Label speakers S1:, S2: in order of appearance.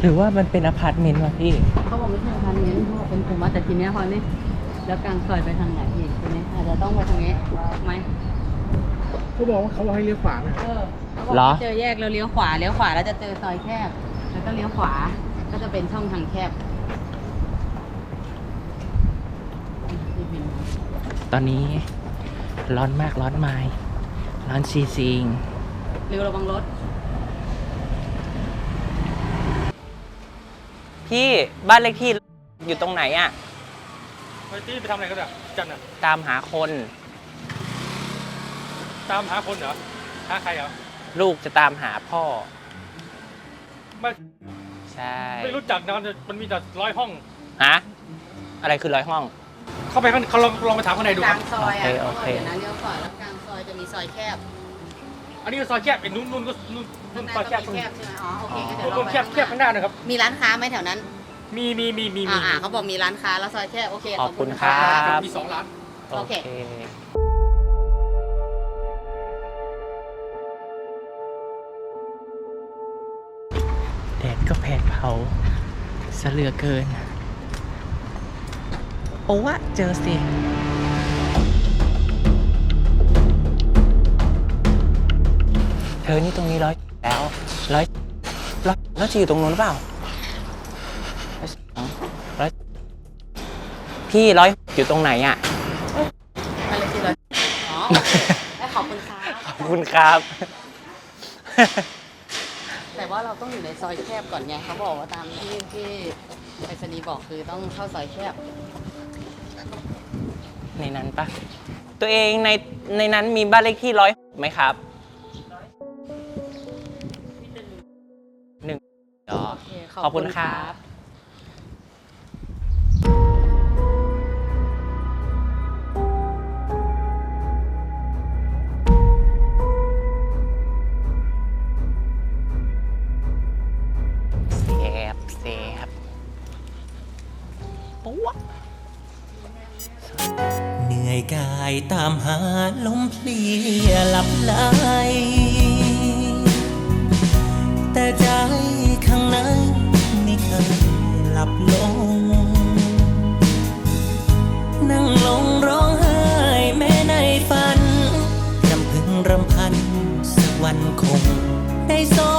S1: หรือว่ามันเป็นอพาร์ตเมนต์วะพี่
S2: เขาบอกไม่ใช่อพาร์ตเมนต์เขาบอกเป็นกลุ่มมาแต่ทีเนี้ยพอนี่แล้วกลางซอยไปทางไหนอีกทีนี้อาจจะต้องไปทางนี้ไหม
S3: เขาบอกว่าเขาให้เลี้ยวขวานะ
S2: เขาบอกว่าเจอแยกแล้วเลี้ยวขวาแล้วจะเจอซอยแคบแล้วก็เลี้ยวขวาก็จะเป็นช่องทางแคบ
S1: ตอนนี้ร้อนมากร้อนไม้ร้อนซีซิง
S2: เร็วระวังรถ
S1: พี่บ้านเลขที่อยู่ตรงไหนอะ
S3: ไปที่ไปทำอะไรกันอ่ะจันอ่ะ
S1: ตามหาคน
S3: ตามหาคนเหรอหาใครเหรอ
S1: ลูกจะตามหาพ่อ
S3: ไม่
S1: ใช่
S3: ไม่รู้จักนะมันมีแต่100 ห้อง
S1: ฮะอะไรคือ100 ห้อง
S3: เข้าไปข้างเขาลองไปถามข้างในดู
S2: ก
S3: ค
S2: ลา
S3: รับ
S2: งซอยอ่ะ
S1: โอเค
S2: เดี๋ยวนะเลี้ยวขวาแล้วกลางซอยจะมีซอยแคบ
S3: อันนี้ก็ซอยแคบไอ้นู่นก็นู่นซอยแคบตรง
S2: แค
S3: นี้
S2: บใช่ไหมอ๋อโอเคก็เดี๋ยว
S3: นู่นแคบข้างหน้านะครับ
S2: มีร้านค้าไหมแถวนั้น
S3: มี
S2: เขาบอกมีร้านค้าแล้วซอยแคบโอเค
S1: ขอบคุณครับ
S3: มี2 ร้าน
S2: โอเค
S1: แดดก็แผดเผาซะเหลือเกิน โอ้วะเจอสิ เธอนี่ตรงนี้แล้วแล้วจะอยู่ตรงนู้นหรือเปล่าร้อยพี่อยู่ตรงไหนอ่ะ
S2: อะไรสิเลยอ๋อขอบคุณครับ
S1: ขอบคุณครับ
S2: แต่ว่าเราต้องอยู่ในซอยแคบก่อนไงเขาบอกว่าตามที่ไปรษณีย์บอกคือต้องเข้าซอยแคบ
S1: ในนั้นปะตัวเองในนั้นมีบ้านเลขที่106ไหมครับ1อ๋อ
S2: โอเค
S1: ขอบคุณครับ แสบปุ๊ว
S4: เหนื่อยกายตามหาลมเพลียหลับไหลแต่ใจข้างในไม่เคยหลับลง นั่งลงร้องไห้แม้ในฝันรำพึงรำพันสักวันคงได้ส